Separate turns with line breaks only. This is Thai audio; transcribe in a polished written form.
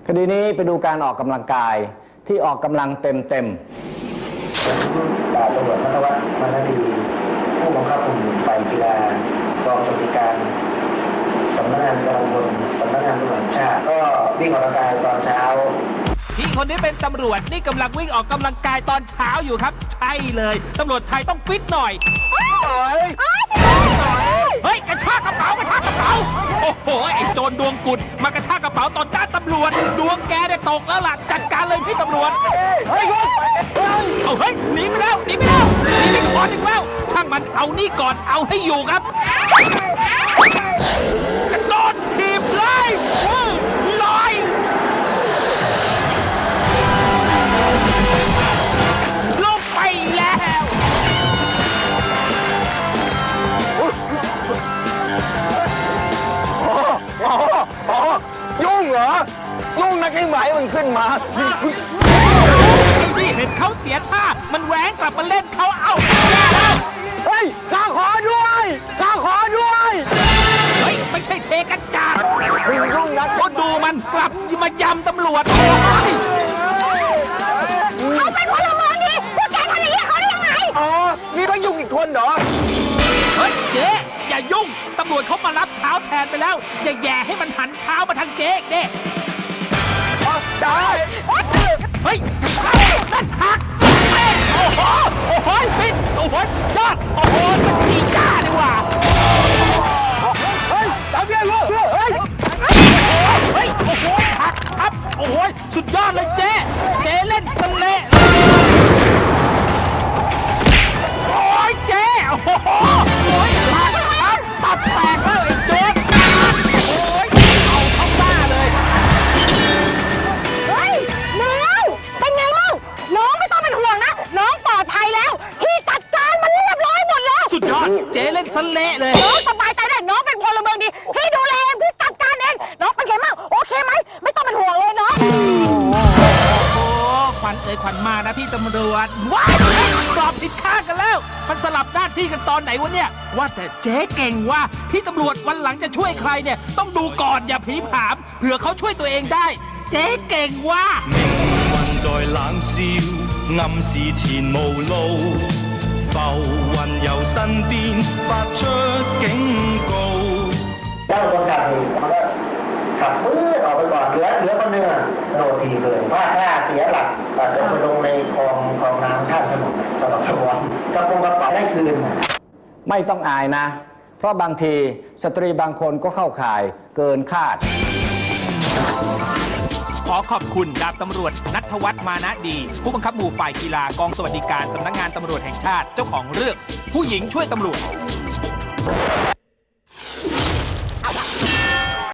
คดีนี้ไปดูการออกกำลังกายที่ออกกำลังเต็ม
ดาบตำรวจณัฐวัฒน์ มานดี ผู้บังคับกลุ่มฝ่ายกีฬากองสวัสดิการสำนักงานกำลังพลสำนักงานตำรวจแห่งชาติก็วิ่งออกกำลังกายตอนเช้า
พี่คนนี้เป็นตำรวจนี่กำลังวิ่งออกกำลังกายตอนเช้าอยู่ครับใช่เลยตำรวจไทยต้องฟิตหน่อยเฮ้ยกระชากกระเป๋ากระชากกระเป๋าโอ้โหไอ้โจรดวงกุดมากระชากกระเป๋าตอนด้านตำรวจดวงแกได้ตกแล้วล่ะจัดการเลยพี่ตำรวจเฮ้ยเอาเฮ้ยหนีไปแล้วหนีไปก่อนอีกแล้วช่างมันเอานี่ก่อนเอาให้อยู่ครับกระโดดถีบเลยลอยลงไปแล้ว
ยุ่งเหรอยุ่งนักให้ไหมมันขึ้นมา
นี่เห็นเขาเสียท่ามันแหวงกลับมาเล่นเขาเอา
เฮ้ยข้าขอด้วย
เฮ้ยไม่ใช่เทกันจาด
ยุ่งนัก
ก็ดูมันกลับมายำตำรวจ
เขาเป็นพลเมืองดีพวกแกทำอย่างนี้เขาได้ยังไง
อ๋อนี่ก็ยุ่งอีกคนเหรอ
เฮ้ยเจ๊อย่ายุ่งตำรวจเขามารับเท้าแทนไปแล้วอย่าแย่ให้มันหันเท้ามาทางเจ๊เด้
ได้
เฮ้ยนั่นหักโอ้โหฟิตโอ้โหสุดยอดโอ้โหมันขี่จ้าเลยว่ะ
เฮ้ยตามเงี้ยลูกเฮ้ย
โอ้โหหักครับโอ้โหสุดยอดเลยเจ๊เล่นสเละโอ้ยเจ๊โอ้โหหักครับตับแตกแล้วไอ้โจ๊กโอ้ยเอาเข้าบ้าเลย
เฮ้ยน้องเป็นไงมั่งน้องไม่ต้องเป็นห่วงนะน้องปลอดภัยแล้วพี่จัดการมันเรียบร้อยหมดแล้ว
สุดยอดเจ๊เล่นสเละเลย
น้องสบายใจได้น้องเป็นพลเมืองดีพี่ดูแลเองพี่จัดการเองน้องเป็นไงมั่งโอเคไหมไม่ต้องเป็นห่วงเลยน้อง
ขวัญขวัญมานะพี่ตำรวจว้าวสอบผิดข้างกันแล้วมันสลับหน้าที่กันตอนไหนวะเนี่ยว่าแต่เจ๊เก่งว่าพี่ตำรวจวันหลังจะช่วยใครเนี่ยต้องดูก่อนอย่าผีผามเผื่อเขาช่วยตัวเองได้เจ๊เก่งว่า
命運在冷笑，暗示前無路，浮雲由身邊發出警告。
แล้วคนขับนี่มันก็ขับมืดออกไปก่อนเหลือคนหนึ่งโดดทีเลยพลาดท่าเสียหลักจนไปลงในคลองน้ำข้างถนนสำหรับสวรรค์กระเป๋าได้คืน
ไม่ต้องอายนะเพราะบางทีสตรีบางคนก็เข้าข่ายเกินคาด
ขอขอบคุณดาบตำรวจณัฐวัฒน์ มานะดีผู้บังคับหมู่ฝ่ายกีฬากองสวัสดิการสำนักงานตำรวจแห่งชาติเจ้าของเรื่องผู้หญิงช่วยตำรวจ